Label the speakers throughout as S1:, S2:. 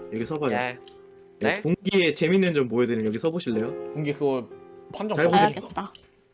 S1: 여기 서봐요.
S2: 네.
S1: 네?
S2: 네?
S1: 공기에 재밌는 점 보여드리는 여기 서보실래요?
S3: 군기 그거 판정
S1: 잘 보세요.
S4: 봐야겠다.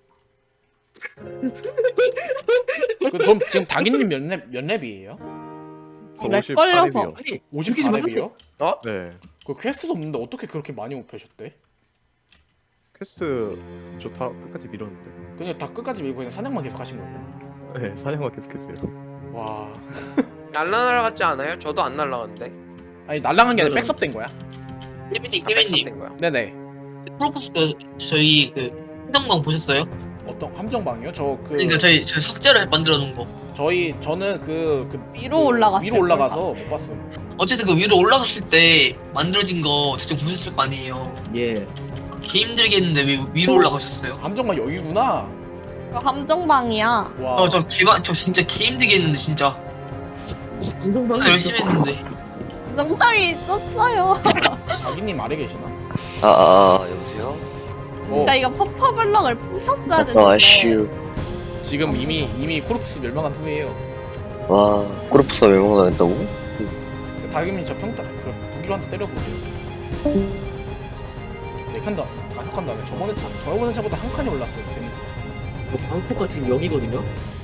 S3: 그럼 지금 다기님 몇 랩이에요?
S5: 저
S4: 렉 걸려서.
S5: 58렙이요.
S1: 아니
S3: 54랩이요?
S5: 네.
S3: 그 퀘스트도 없는데 어떻게 그렇게 많이 못 펴셨대?
S5: 퀘스트 저 다 끝까지 밀었는데.
S3: 그냥 다 끝까지 밀고 그냥 사냥만 계속 하신 거예요?
S5: 네, 사냥만 계속했어요.
S3: 와.
S2: 날라갔지 않아요? 저도 안 날라갔는데.
S3: 아니 날랑한 게 아니라 백섭된 거야?
S6: 깨빈님,
S2: 다
S6: 깨빈님,
S2: 백섭된 거야.
S3: 네네.
S6: 프로포스 저희 그 해당방 보셨어요?
S3: 어떤 함정방이요?
S6: 그러니까 저희 석재를 만들어 놓은 거.
S3: 저는
S4: 위로 올라갔을
S3: 위로 올라가서
S4: 거예요.
S3: 못 봤음.
S6: 어쨌든 그 위로 올라갔을 때 만들어진 거 직접 보셨을 거 아니에요.
S1: 예.
S6: 개 힘들겠는데 왜 위로 올라가셨어요?
S3: 함정방 여기구나.
S4: 이거 함정방이야.
S3: 와.
S6: 저 진짜 개 힘들겠는데 진짜.
S1: 운동방이
S6: 열심히 했는데.
S4: 함정방이 있었어요.
S3: 다기님 아래 계시나?
S7: 여보세요?
S4: 그러니까 이거 퍼퍼블럭을 부셨어야
S7: 아,
S4: 되는데.
S7: 슈.
S3: 지금 이미 코르프스 멸망한 후에요.
S7: 와, 꼬르프사 멸망당했다고?
S3: 다기님 저 평타 그 무기로 한 대 때려보세요. 네 칸다 다섯 칸 다음에 저번에 차보다 한 칸이 올랐어요. 데미지.
S1: 방포가 지금 0이거든요.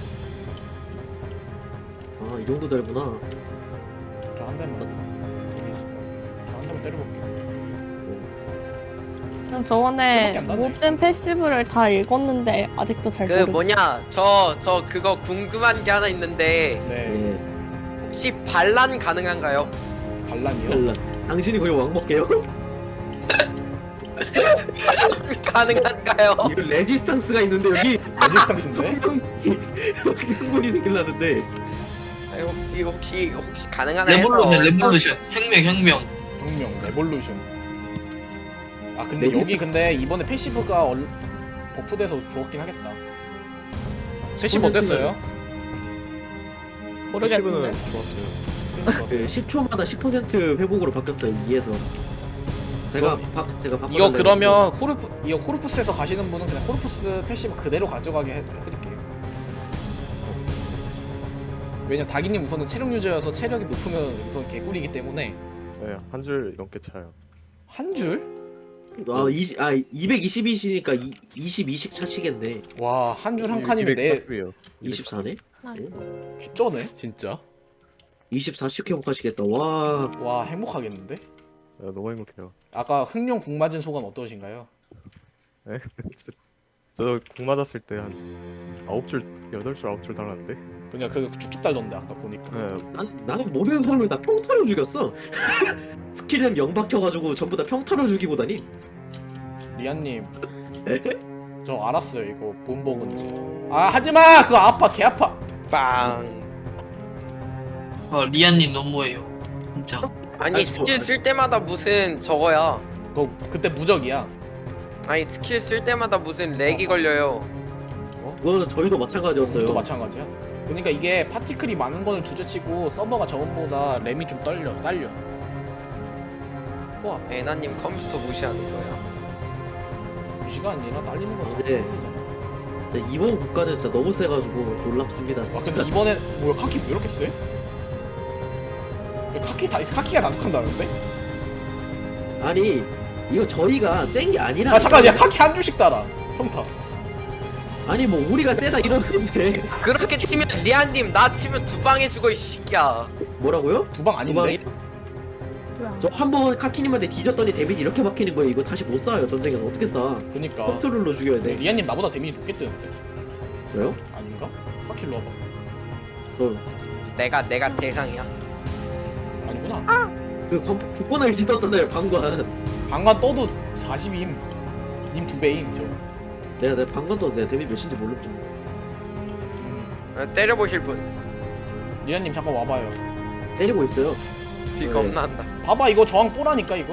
S1: 아 이 정도 되구나.
S3: 저 한 대만 데미지. 저 한 대만 때려볼게요.
S4: 그냥 저번에
S3: 그거밖에 안 나네.
S4: 모든 패시브를 다 읽었는데 아직도 잘
S2: 그
S4: 모르겠어.
S2: 뭐냐 저 그거 궁금한 게 하나 있는데
S3: 네.
S1: 예.
S2: 혹시 반란 가능한가요?
S3: 반란이요?
S1: 달라. 당신이 거의 왕먹게요?
S2: 가능한가요?
S1: 이거 레지스탕스가 있는데 여기
S3: 레지스탕스인데?
S1: 흥분이 생길라는데.
S2: 아니, 혹시 가능하나 해서.
S6: 레볼루션. 혁명.
S3: 혁명 레볼루션. 아 근데
S1: 레지스탕스.
S3: 여기 근데 이번에 패시브가 버프돼서 좋았긴 하겠다. 패시브 어땠어요?
S4: 모르겠는데.
S5: 패시브는 좋았어요.
S1: 그 10초마다 10% 회복으로 바뀌었어요 2에서. 제가 바꿔.
S3: 이거 그러면 코르푸스에서 가시는 분은 그냥 코르푸스 패시브 그대로 가져가게 해드릴게요. 왜냐 다기님 우선은 체력 유저여서 체력이 높으면 우선 개꿀이기 때문에
S5: 네, 한 줄 넘게 차요.
S3: 한 줄?
S1: 220이시니까 22씩 차시겠네.
S3: 와 한 줄 한 칸이면 내
S5: 240이에요.
S1: 24네?
S3: 개쩌네 진짜.
S1: 24씩 회복하시겠다. 와.
S3: 와 행복하겠는데?
S5: 너무 행복해요.
S3: 아까 흑룡 궁 맞은 소감 어떠신가요?
S5: 네? 저궁 맞았을 때 한 9줄, 8줄, 9줄 달았는데.
S3: 그냥 그 쭉쭉 달던데 아까 보니까.
S5: 네,
S1: 나는 모든 사람을 다 평타로 죽였어. 스킬템 0 박혀가지고 전부 다 평타로 죽이고 다니.
S3: 리안님 저 알았어요 이거 뭔 버그인지. 아 하지마 그거 아파 개 아파.
S2: 빵.
S6: 리안님 너무해요. 진짜.
S2: 아니 스킬 쓸 때마다 무슨 저거야.
S3: 그거 그때 무적이야.
S2: 아니 스킬 쓸 때마다 무슨 렉이 걸려요.
S1: 그거는 저희도 마찬가지였어요.
S3: 또 마찬가지야. 그러니까 이게 파티클이 많은 거는 둘째치고 서버가 저번보다 램이 좀 딸려. 와
S2: 애나님 컴퓨터 무시하는 거야.
S3: 무시가 아니라 딸리는 건
S1: 네.
S3: 자체잖아.
S1: 진짜 이번 국가는 진짜 너무 세가지고 놀랍습니다.
S3: 아
S1: 진짜.
S3: 근데 이번에 뭐야 카키 왜 이렇게 세? 카키가 다섯 칸 나는데?
S1: 아니 이거 저희가 센 게 아니라.
S3: 아 잠깐 야 카키 한 줄씩 달아 평타.
S1: 아니 뭐 우리가 세다 이러는데.
S2: 그렇게 치면 리안님 나 치면 두 방에 죽어 이 새끼야.
S1: 뭐라고요?
S3: 두 방 아닌데?
S1: 저 한 번 카키님한테 뒤졌더니 데미지 이렇게 박히는 거예요. 이거 다시 못 쏴요 전쟁에서. 어떻게 쏴?
S3: 그니까
S1: 컨트롤로 죽여야 돼.
S3: 리안님 나보다 데미지 높게 뜨는데?
S1: 저요?
S3: 아닌가? 카키로 와봐.
S2: 내가 대상이야.
S3: 아니구나.
S1: 그 국권을 짓었잖아요 방관.
S3: 방관 떠도 40임. 님 2배임 저.
S1: 내가 방관도 내가 데미지 몇인지 모르죠.
S2: 때려보실 분.
S3: 리안님 잠깐 와봐요.
S1: 때리고 있어요.
S2: 비가
S1: 네.
S2: 없나 한다.
S3: 봐봐 이거 저항 뽀라니까 이거.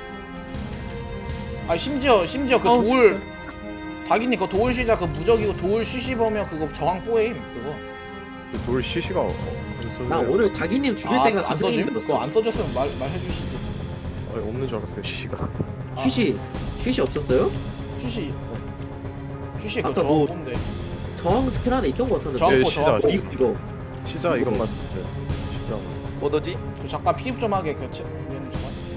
S3: 아 심지어 그
S4: 어우,
S3: 도울 다기님 그 도울 시작 그 무적이고 도울 쉬시버면 그거 저항 뽀임 그거.
S5: 돌 CC가 안
S1: 나
S5: 써져요.
S1: 오늘 다기님 죽일 때가
S3: 안
S1: 감성이
S3: 써줌? 그거
S1: 힘들었어.
S3: 안 써줬으면 말해주시지.
S5: 없는 줄 알았어요, CC가.
S1: 쉬시 없었어요?
S3: 쉬시 그
S1: 아까
S3: 저항
S1: 뭐-
S3: 뽀인데.
S1: 저항 스킬 하나 있던 것 같았는데.
S3: 저항 뽀
S5: 시작.
S3: 저항 뽀.
S1: 이거
S5: 시자 이것만 썼어요. 시자.
S2: 뭐더지?
S3: 저 잠깐 피입 좀 하게 그 리안님 잠깐.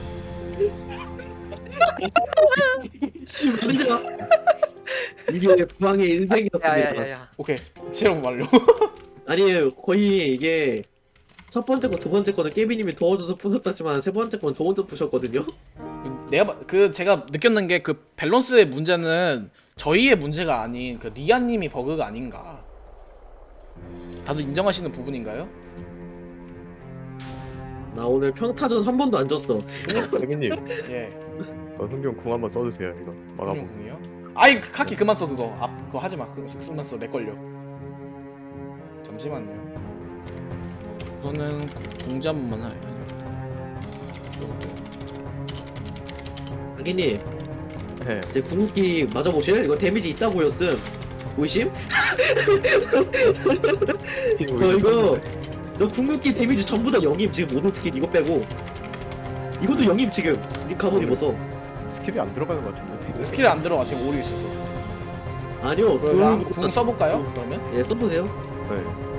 S1: 씨 말이야. 이게 부왕의 인생이었습니다.
S2: 야야야야.
S3: 오케이 실험 완료.
S1: 아니 거의 이게 첫 번째 거 두 번째 거는 깨비님이 도와줘서 부쉈다지만 세 번째 거는 저 혼자 부셨거든요.
S3: 제가 느꼈는 게 그 밸런스의 문제는 저희의 문제가 아닌 그 리아님이 버그가 아닌가. 다들 인정하시는 부분인가요?
S1: 나 오늘 평타전 한 번도 안 졌어.
S5: 대기님,
S3: 예.
S5: 흥경 궁 한번 써주세요. 이거 막아보.
S3: 공이요? 아이 그 카키 그만 써 그거. 그거 하지 마. 그거 쓰면 써. 렉 걸려. 잠시만요. 우선은 공잡만 하.
S1: 아기님
S5: 네.
S1: 제 궁극기 맞아보실? 이거 데미지 있다 보였음. 보이심? 저 궁극기 데미지 전부 다 0임 지금 모든 스킬 이거 빼고 이것도 0임 지금 니 가본 입어서.
S5: 스킬이 안 들어가는 것 같은데.
S3: 스킬이 안 들어가 지금 오류 있어서.
S1: 아니요
S3: 궁 써볼까요? 그러면?
S1: 예 써보세요.
S5: 네.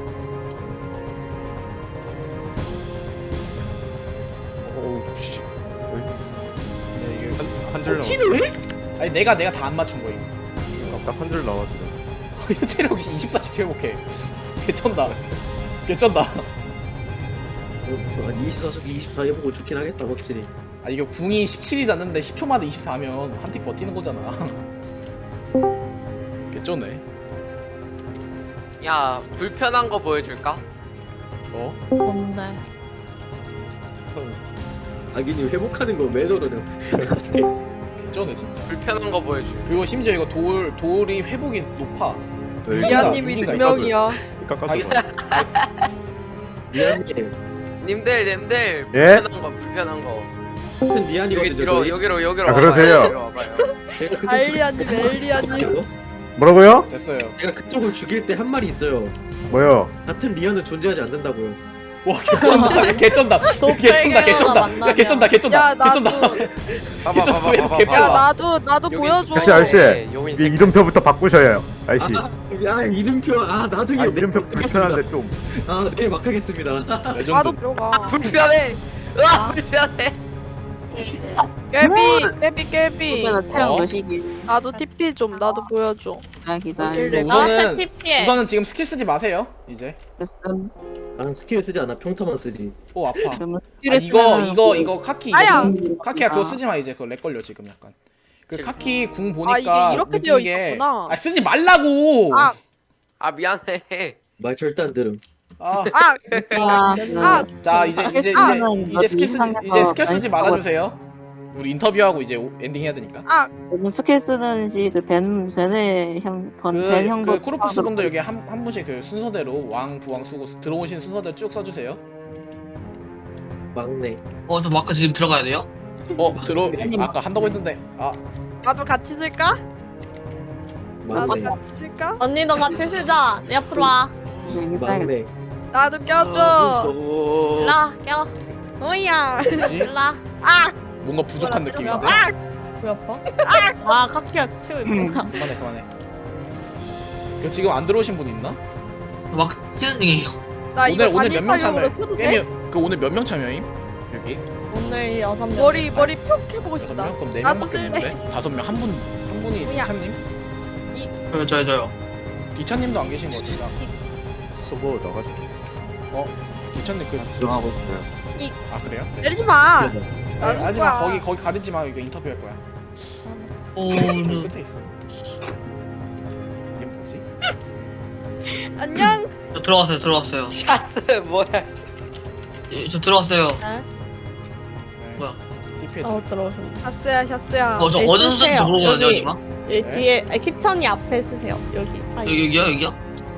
S5: 어우 씨.
S3: 네, 이게
S5: 한줄 나왔.
S1: 티를 왜?
S3: 아니 내가 다 안 맞춘 거임.
S5: 딱한 줄 나왔어.
S3: 체력이 24씩 회복해. 개쩐다. 개쩐다.
S1: 아니 24 해보고 좋긴 하겠다 확실히.
S3: 아 이게 궁이 17이 닿는데 10초마다 24면 한 틱 버티는 거잖아. 개쩌네.
S2: 야 불편한 거 보여줄까?
S3: 어?
S4: 뭔데?
S1: 아기님 회복하는 거 왜 저러냐.
S3: 개쩌네 진짜.
S2: 불편한 거 보여줄.
S3: 그리고 심지어 이거 돌이 회복이 높아.
S5: 네,
S3: 리아님이
S5: 이거
S3: 능력이야.
S5: 깎아줘.
S1: 니안님
S2: 님들
S8: 예?
S2: 불편한 거 불편한 거.
S1: 같은
S2: 여기
S1: 니안이거든요.
S2: 뒤로
S1: 저희.
S2: 여기로
S8: 아, 그러세요?
S2: 와봐요. 와봐요.
S1: 제가 그쪽
S9: 알리아님, 엘리아님.
S8: 뭐라고요?
S3: 됐어요.
S1: 제가 그쪽을 죽일 때 한 말이 있어요.
S8: 뭐요?
S1: 같은 리안은 존재하지 않는다고요.
S3: 와 개쩐다. 개쩐다. 개쩐다. 개쩐다. 야 개쩐다. 개쩐다.
S9: 야, 나도.
S3: 개쩐다. 개쩐다. 왜 이렇게
S9: 야,
S3: 개빨라?
S9: 나도 보여줘.
S8: 아저씨, 아저씨.
S2: 요인
S8: 이 이름표부터 바꾸셔요. 아저씨.
S1: 야 이름표 나중에
S8: 이름표
S1: 막
S8: 불편한데 좀.
S1: 내일 막 하겠습니다.
S9: 나도
S3: 레전드.
S9: 들어가.
S2: 불편해. 으아 불편해.
S9: 깨비.
S3: 체력 몇
S9: 나도 TP 좀, 나도 보여줘.
S3: 우선은
S4: 나한테 TP해.
S3: 우선은 지금 스킬 쓰지 마세요. 이제.
S1: 나는 스킬 쓰지 않아. 평타만 쓰지.
S3: 오 아파. 이거 카키
S9: 아야!
S3: 카키야 그거 쓰지 마 이제 그거 렉 걸려 지금 약간. 그 카키 궁 보니까
S9: 아, 이게 이렇게 되어
S3: 느낀 게-
S9: 있었구나.
S3: 아 쓰지 말라고.
S9: 아.
S2: 아 미안해.
S1: 말 절대 안 들음.
S3: 아. 자 이제 스킬 쓰지 말아주세요. 우리 인터뷰하고 이제 엔딩 해야 되니까.
S10: 요즘 스킬 쓰든지 그 벤의 벤 형도
S3: 그 코르푸스 분들 여기 한 분씩 그 순서대로 왕 부왕 수고 들어오신 순서대로 쭉 써주세요.
S1: 막내.
S6: 저 마크 지금 들어가야 돼요?
S3: 아까 한다고 했는데
S9: 나도 같이 쓸까? 나도
S1: 막내.
S9: 같이 쓸까?
S4: 언니도 같이 쓰자. 내 앞으로 와.
S10: 여기 써야겠다.
S1: 막내.
S9: 나도
S2: 아,
S9: 껴줘.
S4: 일라 껴.
S9: 뭐야?
S3: 뭐지?
S4: 일라.
S3: 뭔가 부족한 느낌인데.
S4: 왜 아파? 아 카키가 치고 있구나.
S3: 그만해. 그 지금 안 들어오신 분 있나?
S6: 마크 치는 중이에요.
S9: 나 이거
S3: 오늘 몇 명
S9: 단일파용으로
S3: 참여?
S9: 켜도 돼?
S3: 게임이 그 오늘 몇 명 참여임? 여기
S4: 오늘 6명.
S9: 머리 펴 해보고
S3: 6명?
S9: 싶다.
S3: 그럼 4명밖에
S9: 나도 쓸래.
S3: 없는데? 5명 한 분이
S9: 뭐야?
S3: 디찬님?
S6: 저요.
S3: 디찬님도 안 계신 거 같은데.
S5: 서버 나가죠.
S3: 디찬님 그
S7: 들어가고 있어요.
S3: 아 그래요? 네.
S9: 내리지 마.
S3: 네,
S9: 나도
S3: 하지
S9: 거야.
S3: 마. 거기 가리지 마. 이거 인터뷰 할 거야. 끝에 있어. 이게 뭐지?
S9: 안녕.
S6: 저 들어왔어요.
S2: 샤스 뭐야?
S6: 예, 저 들어왔어요.
S3: 네.
S6: 뭐야?
S3: TP에
S4: 들어오신다.
S9: 샤스야.
S6: 저
S4: 네,
S6: 어느
S4: 쓰세요.
S6: 순서인지 모르거든요
S4: 여기.
S6: 지금.
S4: 여기
S3: 네.
S4: 뒤에 키천이 앞에 쓰세요. 여기 사이.
S6: 여기요?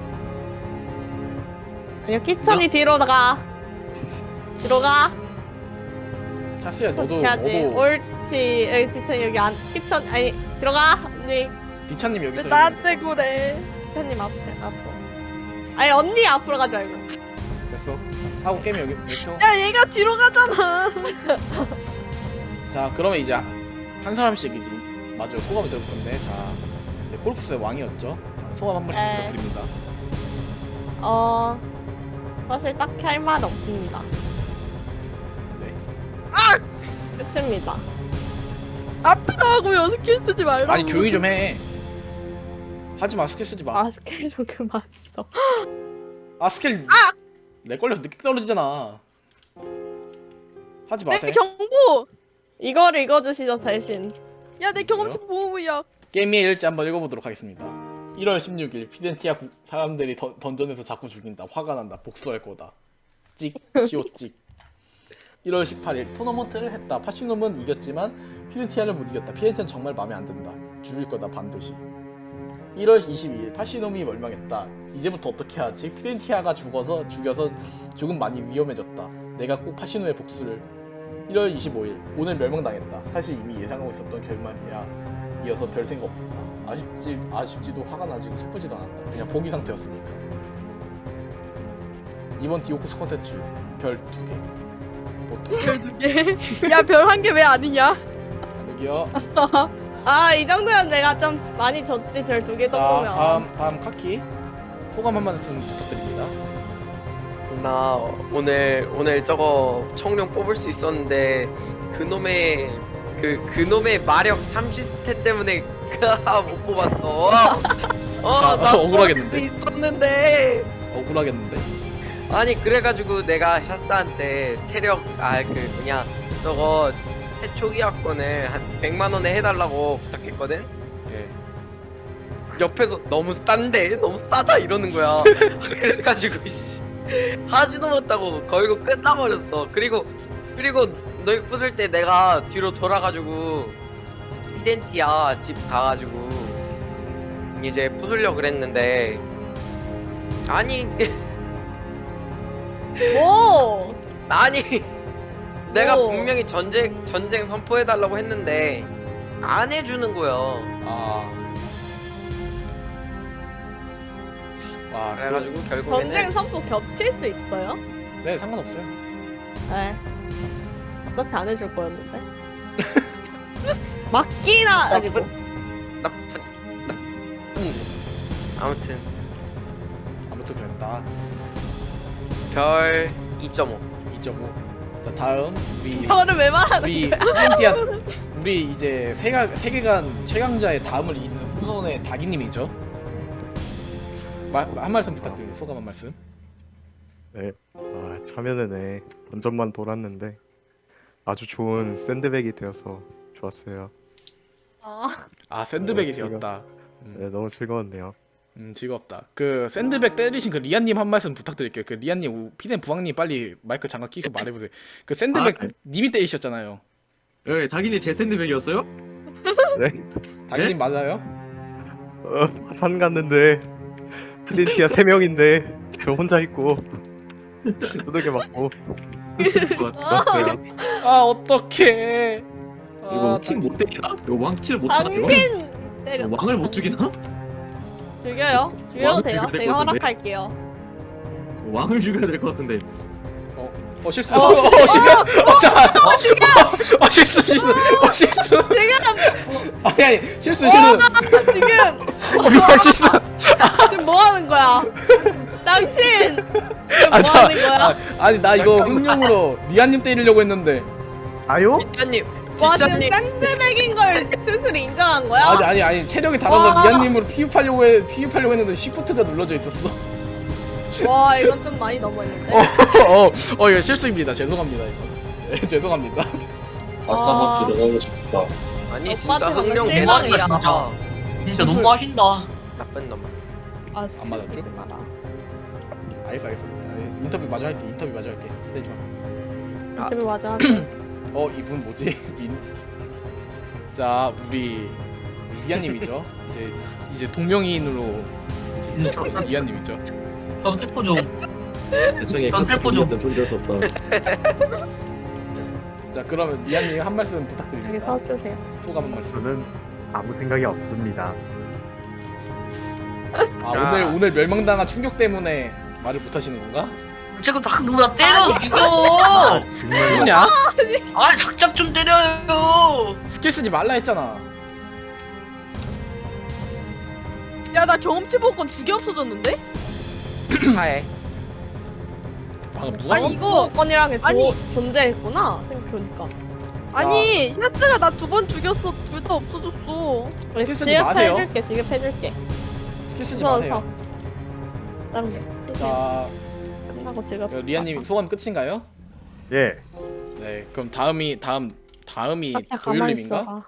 S4: 아니요 키천이 뒤로 가. 뒤로 가.
S3: 차스야 너도
S4: 해야지. 옳지. 여기 키천 여기 안 키천 아니 뒤로 가. 언니.
S3: 디찬님 여기
S9: 왜
S3: 있어.
S9: 나한테 그래?
S4: 키천님 앞으로. 아니 언니 앞으로 가지 말고.
S3: 됐어. 하고 게임 여기 있어.
S9: 야, 얘가 뒤로 가잖아.
S3: 자 그러면 이제 한 사람씩 이제 맞아요 소감을 들어볼 건데 자 이제 코르푸스의 왕이었죠. 소감 한 번씩
S4: 네.
S3: 부탁드립니다.
S4: 사실 딱히 할 말 없습니다.
S3: 네.
S4: 끝입니다.
S9: 아프다고요. 스킬 쓰지 말라고.
S3: 아니 조용히 좀 해. 하지 마 스킬 쓰지 마.
S4: 아 스킬 좀 그만 써.
S3: 아 스킬 내 걸려서 늦게 떨어지잖아. 하지
S9: 내
S3: 마세요.
S9: 경보.
S4: 이거를 읽어주시죠 대신.
S9: 야 내 경험치 보호무약.
S3: 게임의 일지 한번 읽어보도록 하겠습니다. 1월 16일 피덴티아 사람들이 던전에서 자꾸 죽인다. 화가 난다. 복수할 거다. 찍 시오 찍. 1월 18일 토너먼트를 했다. 파시놈은 이겼지만 피덴티아를 못 이겼다. 피덴티아는 정말 마음에 안 든다. 죽일 거다 반드시. 1월 22일 파시놈이 멸망했다. 이제부터 어떻게 하지? 피덴티아가 죽여서 조금 많이 위험해졌다. 내가 꼭 파시노의 복수를. 1월 25일 오늘 멸망당했다. 사실 이미 예상하고 있었던 결말이야. 이어서 별 생각 없었다. 아쉽지도 화가 나지도 슬프지도 않았다. 그냥 포기 상태였으니까. 이번 디오쿠스 콘텐츠 별 2개.
S9: 별 2개. 야 별 1개 왜 아니냐?
S3: 여기요.
S4: 아 이 정도면 내가 좀 많이 졌지. 별 2개
S3: 자
S4: 정도면.
S3: 다음 카키 소감 한 말씀 부탁드립니다.
S2: 나 오늘 저거 청룡 뽑을 수 있었는데 그놈의 마력 30스탯 때문에 못 뽑았어. 나 뽑을
S3: 억울하겠는데?
S2: 수 있었는데.
S3: 억울하겠는데?
S2: 아니 그래가지고 내가 샤스한테 체력 저거 초기화권을 한 100만 원에 해달라고 부탁했거든.
S3: 예.
S2: 옆에서 너무 싼데 너무 싸다 이러는 거야. 그래가지고 씨, 하지도 못하고 걸고 끝나버렸어. 그리고 너희 부술 때 내가 뒤로 돌아가지고 피덴티아 집 가가지고 이제 부술려 그랬는데 아니
S4: 뭐?
S2: 아니 내가
S4: 오.
S2: 분명히 전쟁 선포해달라고 했는데 안 해주는 거야.
S3: 와
S2: 그래가지고 결국에는
S4: 전쟁 선포 겹칠 수 있어요?
S3: 네 상관없어요.
S4: 네. 어차피 안 해줄 거였는데. 맞기나 가지고.
S2: 나쁜 아무튼
S3: 그랬다.
S2: 별 2.5.
S3: 2.5. 자 다음 우리
S4: 저를 왜 말하는
S3: 우리
S4: 거야?
S3: 피덴티아 우리 이제 세계관 최강자의 다음을 잇는 후손의 다기님이죠. 한 말씀 부탁드립니다. 소감 한 말씀.
S5: 네. 참여내내 던전만 돌았는데 아주 좋은 샌드백이 되어서 좋았어요.
S3: 샌드백이
S5: 네,
S3: 되었다.
S5: 네, 너무 즐거웠네요.
S3: 즐겁다. 그 샌드백 때리신 그 리안님 한 말씀 부탁드릴게요. 그 리안님, 피덴 부왕님 빨리 마이크 장갑 끼고 말해보세요. 그 샌드백 님이 때리셨잖아요.
S1: 예, 다기님 제 샌드백이었어요?
S5: 네.
S3: 다기님 맞아요?
S5: 산 갔는데 피덴티아 3명인데 저 혼자 있고 두들겨 맞고
S1: 맞았어요.
S3: 어떡해.
S1: 이거 팀 못 때리나? 이거 왕킬 못 하나? 이거?
S4: 당신 때렸다.
S1: 왕을 못 죽이나?
S4: 죽여요? 죽여도
S1: 왕을
S4: 돼요?
S1: 죽여야 될것
S4: 제가
S1: 같은데?
S4: 허락할게요.
S1: 왕을 죽여야 될 것 같은데.
S3: 실수. 실수. 실수. 아니 실수.
S4: 지금
S3: 미안 실수.
S4: 지금 뭐 하는 거야? 당신 지금 뭐
S3: 자,
S4: 하는 거야?
S3: 아니 나 이거 흥룡으로 리안님 때리려고 했는데.
S8: 아요?
S2: 기자님
S4: 와 지금 샌드백인 걸 스스로 인정한 거야?
S3: 아니 체력이 달아서
S4: 와.
S3: 리안님으로 피흡하려고 했는데 쉬프트가 눌러져 있었어.
S4: 와 이건 좀 많이 넘어있는데.
S3: 이거 실수입니다. 죄송합니다 이거. 네, 죄송합니다.
S4: 아,
S6: 들어가고 싶다.
S2: 아니
S4: 오빠한테
S2: 진짜
S4: 방금
S2: 흥룡
S4: 실망이야.
S2: 개사기야.
S6: 진짜 너무 하신다.
S2: 나쁜 놈아.
S4: 아,
S3: 안 맞았죠?
S4: 쓰지 마라.
S3: 알겠어. 인터뷰 마저 할게. 떼지 마.
S4: 인터뷰 맞아.
S3: 이분 뭐지? 자 우리 리안님이죠. 이제 동명이인으로 이제 있을 리안님이죠.
S6: 전 텔포 좀.
S1: 세상에
S6: 전 텔포 좀.
S1: 존재할 수 없다.
S3: 자 그러면 리안님 한 말씀
S4: 여기
S3: 부탁드립니다.
S4: 서주세요.
S3: 소감 한 말씀.
S8: 저는 아무 생각이 없습니다.
S3: 오늘 멸망당한 충격 때문에 말을 못 하시는 건가?
S6: 지금 자꾸 누구나 때려 이거.
S8: 정말
S3: 누구냐?
S6: 아 작작 좀 때려요.
S3: 스킬 쓰지 말라 했잖아.
S9: 야 나 경험치 보호권 2개 없어졌는데?
S2: 하해.
S3: 방금 누가?
S9: 아니, 이거-
S4: 건이라는 게
S9: 아니.
S4: 존재했구나 생각해보니까.
S9: 아니 샤스가 나 2번 죽였어. 둘 다 없어졌어.
S3: 스킬 쓰지 마세요.
S4: 지급해줄게.
S3: 스킬 쓰지
S4: 무서워서.
S3: 마세요.
S4: 그럼
S3: 자,
S4: 끝나고 지급.
S3: 리아님 소감 끝인가요?
S8: 예.
S3: 네, 그럼 다음이
S4: 가만히
S3: 도율님인가?
S4: 있어.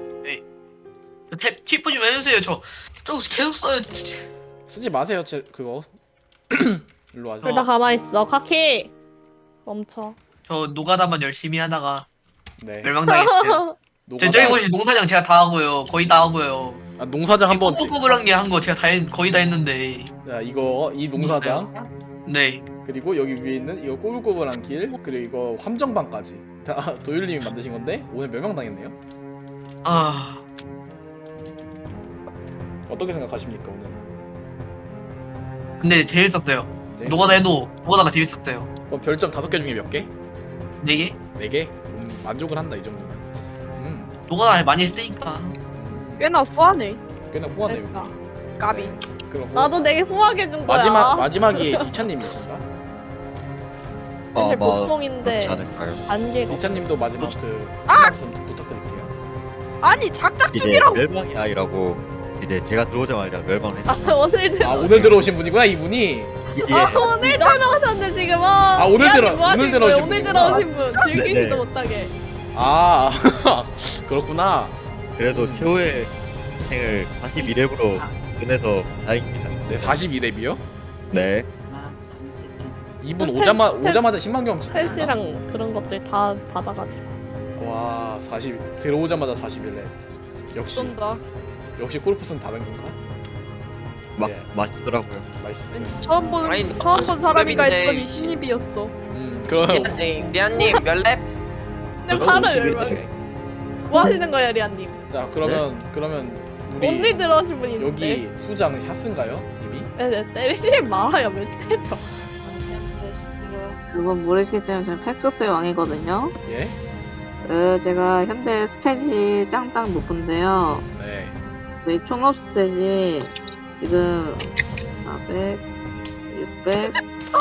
S6: 팁 좀 해주세요. 저 계속 써요.
S3: 쓰지 마세요, 그거. 일로 와서.
S4: 둘다 가만히 있어. 카키. 멈춰.
S6: 저 노가다만 열심히 하다가
S3: 네.
S6: 멸망당했어요.
S3: 노가다.
S6: 저기 보시 농사장 제가 다 하고요. 거의 다 하고요.
S3: 아, 농사장 한번.
S6: 꼬불꼬불한 한거 제가 거의 다 했는데.
S3: 자, 이 농사장.
S6: 네.
S3: 그리고 여기 위에 있는 이거 꼬불꼬불한 길, 그리고 이거 함정방까지 다 도율님이 만드신 건데 오늘 멸망당했네요.
S6: 아
S3: 어떻게 생각하십니까 오늘?
S6: 근데 재밌었어요. 노가다 해도 노가다가 재밌었어요.
S3: 별점 5개 중에 몇 개?
S6: 4개?
S3: 4개? 만족을 한다 이 정도면.
S6: 노가다 많이 했으니까.
S9: 꽤나 후하네.
S3: 꽤나 후하네요.
S4: 그러니까.
S9: 까비.
S3: 그럼
S4: 나도 되게 후하게 준 거야.
S3: 마지막이 디차님이신가?
S4: 사실
S7: 아마
S4: 복봉인데
S7: 그렇지 않을까요?
S4: 안개가.
S3: 디차님도 마지막 그 말씀 부탁드릴게요.
S9: 아니
S11: 이제
S9: 작작죽이라고.
S11: 멸망의 아이라고 이제 제가 들어오자마자 멸망을 했죠.
S4: 아 오늘 들어.
S3: 아 오늘 들어오신 분이구나 이분이.
S11: 예.
S4: 오늘 들어오셨네 지금. 아
S3: 오늘
S4: 오늘
S3: 들어오신
S4: 오늘
S3: 분이구나.
S4: 들어오신 분 즐기지도
S11: 네.
S4: 못하게.
S3: 아 그렇구나.
S11: 그래도 최후의 생을 42렙으로 끝내서 다행입니다.
S3: 네 42렙이요?
S11: 네.
S3: 이분
S4: 그
S3: 오자마자 10만 경험치.
S4: 셋이랑 그런 것들 다 받아가지고.
S3: 와 40 들어오자마자 41렙.
S9: 쏜다.
S3: 역시 골프스는 다른 건가? 네.
S11: 맛있더라고요.
S3: 맛있었어요.
S9: 왠지 처음 본
S2: 아니,
S9: 사람인가
S2: 40
S9: 했더니 신입이었어.
S3: 그럼
S2: 리안님 몇 랩?
S4: 근데 바로 열받네. 뭐 하시는 거예요 리안님?
S3: 자 그러면 우리
S4: 언니 들어오신 분이 있는데.
S3: 여기 수장 샤스인가요? 이미?
S4: 네네 때리지 마요 왜 때려.
S10: 여러분 모르시겠지만 저는 팩토스의 왕이거든요.
S3: 예?
S10: 제가 현재 스탯이 짱짱 높은데요.
S3: 네.
S10: 저희 총업 스탯이 지금 400, 600,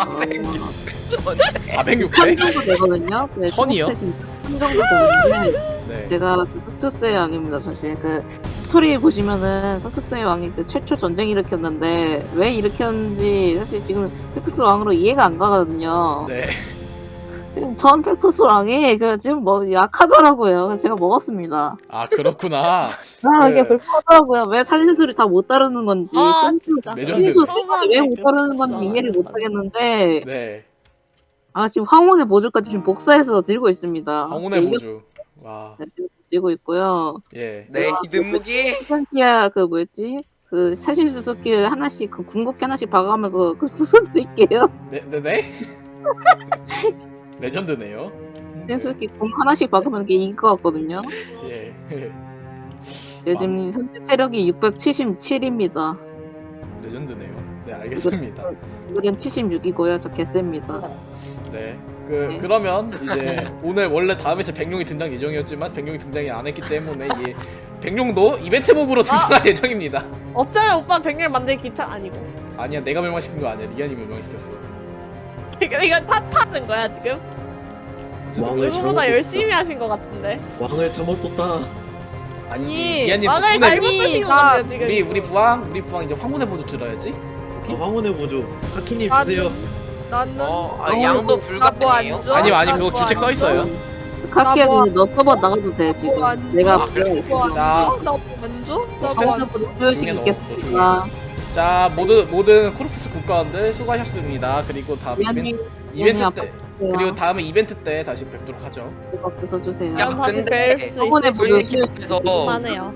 S3: 400, 600?
S10: 1000 정도 되거든요. 네,
S3: 천이요?
S10: 총업 스탯이 1000 정도 되는데
S3: 네.
S10: 제가 그 팩토스의 왕입니다. 사실 그 스토리 보시면은 팩토스의 왕이 그 최초 전쟁 일으켰는데 왜 일으켰는지 사실 지금 팩토스 왕으로 이해가 안 가거든요.
S3: 네.
S10: 지금 전 팩토스 왕이 지금 뭐 약하더라고요. 그래서 제가 먹었습니다.
S3: 아 그렇구나.
S10: 이게
S3: 그-
S10: 불편하더라고요. 왜 사진술이 다 못 따르는 건지,
S4: 진짜.
S3: 레전드.
S10: 사진술 왜 못 따르는 건지 이해를 못 하겠는데,
S3: 네.
S10: 지금 황혼의 보조까지 지금 복사해서 들고 있습니다.
S3: 황혼의
S10: 이게-
S3: 보주. 와.
S10: 네, 지금 들고 있고요.
S3: 예.
S2: 네 히든무기.
S10: 센티아 그 뭐였지? 그 사신수 스킬 하나씩 그 궁극기 하나씩 박아가면서 그 부숴드릴게요.
S3: 네? 레전드네요.
S10: 사신수 스킬 궁 하나씩 박으면 이게 이길 것 같거든요.
S3: 예.
S10: 제 지금 현재 체력이 677입니다.
S3: 레전드네요. 네 알겠습니다.
S10: 이번엔 76이고요. 저 개셉니다.
S3: 네.
S10: 네.
S3: 그러면 이제 오늘 원래 다음 회차 백룡이 등장 예정이었지만 백룡이 등장이 안 했기 때문에 이 백룡도 이벤트 몹으로 등장할 예정입니다.
S4: 어쩌면 오빠 백렬 만들기 귀찮 아니고.
S3: 아니야 내가 멸망시킨 거 아니야. 리안이 멸망시켰어.
S4: 이거 탓하는 거야 지금?
S1: 왕을
S4: 누구보다
S1: 잘못
S4: 열심히 하신 것 같은데.
S1: 왕을 잘못 뒀다.
S3: 아니 리안님
S4: 왕을
S3: 덕분에
S4: 잘못 쓰신 것
S9: 나-
S4: 같아요 지금.
S3: 우리 부왕 이제 황혼의 보조 들어야지.
S1: 황혼의 보조. 카키님
S9: 아,
S1: 주세요.
S9: 나는
S2: 양도
S9: 나뭐
S2: 불가능해요.
S9: 안 줘?
S3: 아니 그거
S9: 나뭐
S3: 규칙
S9: 안
S3: 써 있어요.
S10: 카키야
S9: 나 뭐-
S10: 근데 너 서버 나가도 돼 지금.
S9: 나뭐 안
S10: 내가
S9: 줘?
S10: 불러야
S3: 자.
S9: 나뭐안 줘? 나뭐 안 줘?
S10: 표식
S3: 중에 넣어,
S10: 있겠습니다.
S3: 자 모든 코르푸스 국가원들 수고하셨습니다. 그리고 다음
S10: 미안님
S3: 이벤트
S10: 미안해,
S3: 때 그리고 다음에 이벤트 때 다시 뵙도록 하죠.
S10: 이거 써주세요.
S2: 야,
S4: 난 다시
S2: 근데
S4: 뵐 수
S10: 황혼의
S4: 있을
S10: 보조
S4: 것
S2: 솔직히 말해서
S4: 만해요.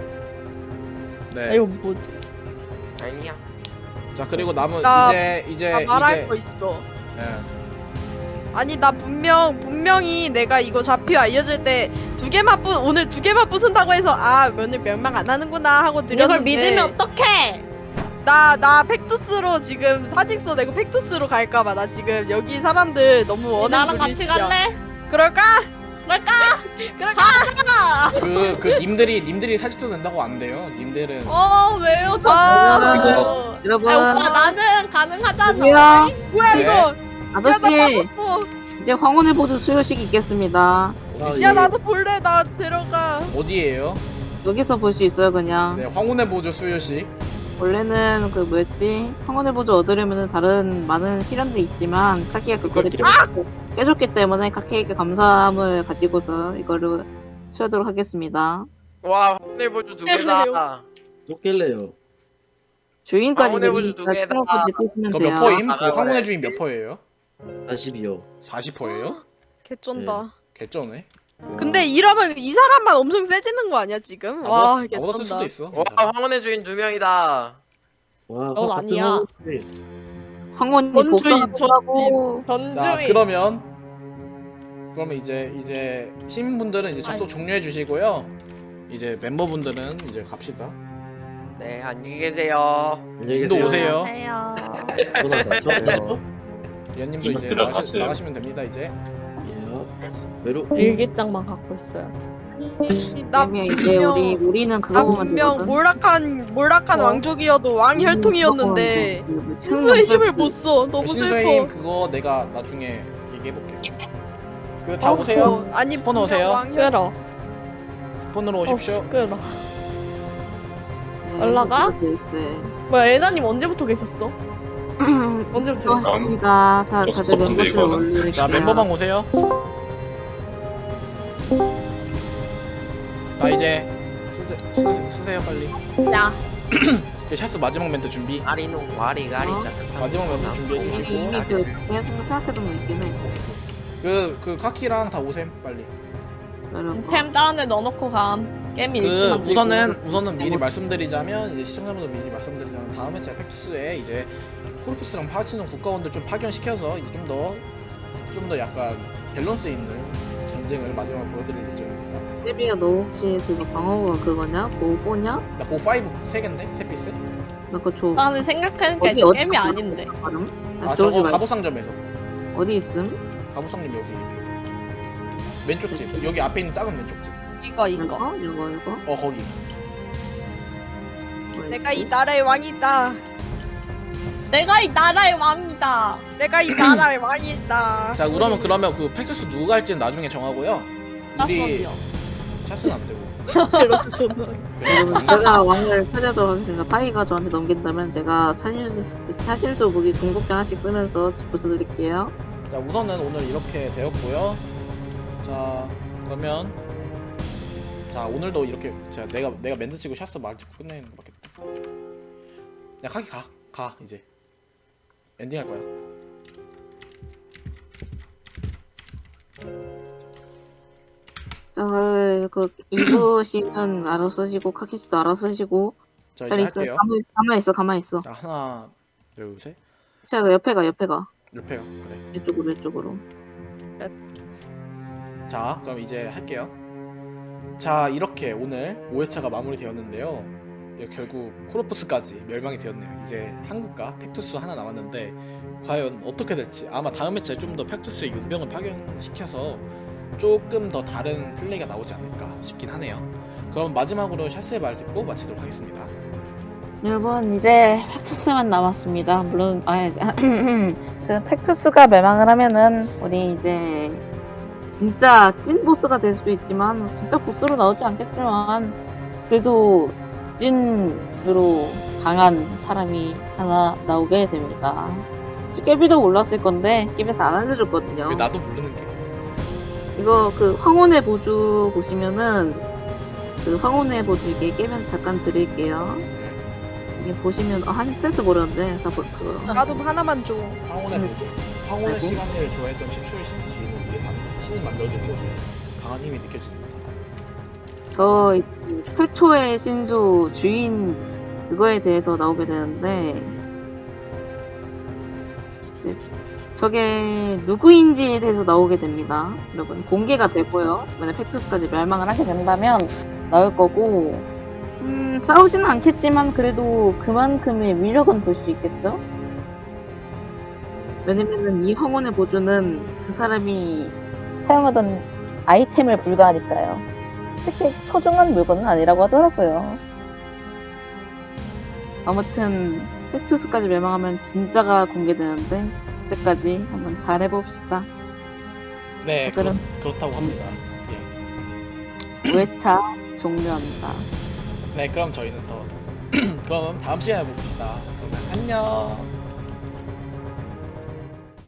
S3: 네.
S4: 이거 뭐지?
S2: 아니야.
S3: 자 그리고 남은
S9: 나-
S3: 이제
S9: 나 말할 거 있어.
S3: 예.
S9: 아니 나 분명히 내가 이거 좌표 알려줄 때 오늘 두 개만 부순다고 해서 오늘 멸망 안 하는구나 하고
S4: 이걸
S9: 드렸는데
S4: 믿으면 어떡해?
S9: 나 팩투스로 지금 사직서 내고 팩투스로 갈까봐 나 지금 여기 사람들 너무 원하는
S4: 나랑 같이
S9: 분위기야.
S4: 갈래?
S9: 그럴까?
S4: 갈까?
S9: 그럴까?
S3: 그 님들이 사직도 된다고 안 돼요. 님들은
S4: 왜요 저?
S10: 여러분
S4: 오빠 나는 가능하잖아.
S10: 여기요.
S9: 뭐야
S3: 네.
S9: 이거?
S10: 아저씨
S9: 야, 나 빠졌어.
S10: 이제 황혼의 보조 수요식 있겠습니다.
S1: 아,
S9: 야
S1: 예.
S9: 나도 볼래. 나 데려가.
S3: 어디에요?
S10: 여기서 볼 수 있어요 그냥.
S3: 네, 황혼의 보조 수요식.
S10: 원래는 그 뭐였지? 황혼의 보조 얻으려면은 다른 많은 시련도 있지만 카키가 그거를 깨줬기 때문에 카키에게 감사함을 가지고서 이거를 치우도록 하겠습니다.
S2: 와 황혼의 보조 두 개다.
S1: 또 깰래요.
S10: 주인까지
S2: 황혼의 보조
S10: 내리니까
S2: 두 개다.
S10: 치우고 내리시면
S3: 그거
S10: 돼요.
S3: 몇 퍼임? 그
S2: 아,
S3: 황혼의
S2: 그래.
S3: 주인 몇 퍼예요?
S1: 42요.
S3: 40퍼예요?
S9: 개쩐다.
S3: 개쩌네.
S9: 근데 이러면 이 사람만 엄청 세지는 거 아니야 지금? 와
S3: 나보다 쓸 수도
S9: 개쩐다.
S3: 있어.
S2: 와 황혼의 주인 2명이다.
S1: 와,
S4: 넌
S1: 같은
S4: 아니야.
S1: 황혼인데.
S10: 황혼이
S9: 원주의
S10: 복사하고
S3: 자
S4: 전주인.
S3: 그러면 이제 시민분들은 이제 접속 종료해 주시고요. 이제 멤버분들은 이제 갑시다.
S2: 네 안녕히 계세요.
S1: 안녕히
S3: 님도
S1: 계세요.
S3: 오세요.
S4: 안녕하세요.
S1: 전화다. 저
S3: 위원님도 이제
S11: 들어가세요.
S3: 나가시면 됩니다 이제.
S1: 외로.
S4: 일기장만 갖고 있어야지.
S9: 나
S10: 그러면 이제 우리는
S9: 나
S10: 그거 보면
S9: 분명
S10: 되거든.
S9: 몰락한 왕족이어도 왕혈통이었는데 신수의 힘을 못 써. 너무
S3: 신수의
S9: 슬퍼.
S3: 힘 그거 내가 나중에 얘기해볼게. 그 다 오세요.
S9: 아니
S3: 스폰
S9: 분명
S3: 오세요.
S4: 끌어.
S3: 폰으로 오십시오.
S4: 끌어. 올라가? 뭐야 에나님 언제부터 계셨어? 언제부터?
S10: 수고하셨습니다. 다들 멤버들 올릴게요.
S3: 자 멤버방 오세요. 자 이제 쓰세요 빨리.
S4: 야.
S3: 이제 샤스 마지막 멘트 준비.
S2: 아리노 와리가리 자상상.
S3: 마지막 멘트 준비해
S10: 이미
S3: 주시고.
S10: 이미 그 생각해둔 거 있긴 해.
S3: 그 카키랑 다 오셈 빨리.
S4: 템 다른 데 넣어놓고 감. 게임이
S3: 그
S4: 일찍 만들고.
S3: 우선은 미리 말씀드리자면 이제 시청자분들 미리 말씀드리자면 다음에 제가 팩투스에 이제 코르푸스랑 파치는 국가원들 좀 파견시켜서 이제 좀 더 약간 밸런스 있는 전쟁을 마지막으로 보여드릴 예정입니다.
S10: 세비야 너 혹시 그거 방어구가 그거냐? 보호냐?
S3: 나 보 5 3개인데? 3피스?
S10: 나 그거 줘.
S4: 나는 생각하니까
S10: 어디,
S4: 이제
S10: 어디
S4: 게임이
S10: 있어?
S4: 아닌데.
S10: 발음?
S3: 아
S10: 저거
S3: 저거
S10: 말고
S3: 갑오상점에서.
S10: 어디 있음?
S3: 갑오상점 여기 왼쪽 집 여기 앞에 있는 작은 왼쪽 집.
S4: 이거.
S10: 이거?
S3: 거기.
S9: 내가 이 나라의 왕이다.
S4: 내가 이 나라의 왕이다.
S9: 내가 이 나라의 왕이다.
S3: 자 그러면 그 팩투스 누가 할지는 나중에 정하고요. 우리
S4: 낯선이요.
S3: 샷은 안 되고.
S9: 이러서 존나.
S10: 여러분 제가 왕을 찾아도록 하겠습니다. 파이가 저한테 넘긴다면 제가 사실수 무기 궁극기 하나씩 쓰면서 부숴드릴게요.
S3: 자 우선은 오늘 이렇게 되었고요. 자 그러면 자 오늘도 이렇게 제가 내가 멘트 치고 샷스 말 찍고 끝내는 거 맞겠다. 야 카키 가 이제 엔딩 할 거야.
S10: 자, 그 이브 씨는 알아서 쓰시고 카키 씨도 알아서 쓰시고.
S3: 자
S10: 잘
S3: 이제
S10: 있어.
S3: 할게요.
S10: 가만 있어.
S3: 자 하나 둘 셋.
S10: 자, 옆에 가.
S3: 옆에요. 그래.
S10: 이쪽으로.
S3: 자 그럼 이제 할게요. 자 이렇게 오늘 5회차가 마무리되었는데요. 결국 코르푸스까지 멸망이 되었네요. 이제 한국과 팩투스 하나 남았는데 과연 어떻게 될지 아마 다음 회차에 좀 더 팩투스의 용병을 파견시켜서 조금 더 다른 플레이가 나오지 않을까 싶긴 하네요. 그럼 마지막으로 샤스의 말 듣고 마치도록 하겠습니다.
S10: 여러분 이제 팩투스만 남았습니다. 물론 그 팩투스가 멸망을 하면은 우리 이제 진짜 찐 보스가 될 수도 있지만 진짜 보스로 나오지 않겠지만 그래도 찐으로 강한 사람이 하나 나오게 됩니다. 깨비도 몰랐을 건데 깨비에서 안 알려줬거든요.
S3: 왜 나도 모르는 게.
S10: 이거 그 황혼의 보주 보시면은 그 황혼의 보주 이게 깨면 잠깐 드릴게요. 이게 보시면 한 세트 모르는데 다 그거.
S9: 나도 하나만 줘.
S3: 황혼의 보조. 황혼의 시간을 좋아했던 최초의 신의 주인을 위해 신이 만들어준 거죠. 강한 힘이 느껴지는 거다.
S10: 저 최초의 신수 주인 그거에 대해서 나오게 되는데 이제 저게 누구인지에 대해서 나오게 됩니다. 여러분 공개가 되고요. 만약 팩투스까지 멸망을 하게 된다면 나올 거고 싸우지는 않겠지만 그래도 그만큼의 위력은 볼 수 있겠죠? 왜냐면은 이 황혼의 보조는 그 사람이 사용하던 아이템을 불가하니까요. 특히 소중한 물건은 아니라고 하더라고요. 아무튼 팩투스까지 멸망하면 진짜가 공개되는데 그때까지 한번 잘 해봅시다.
S3: 네,
S10: 그럼.
S3: 그렇다고 합니다. 예.
S10: 5회차 종료합니다.
S3: 네, 그럼 저희는 더 그럼 다음 시간에 봅시다. 그러면 안녕.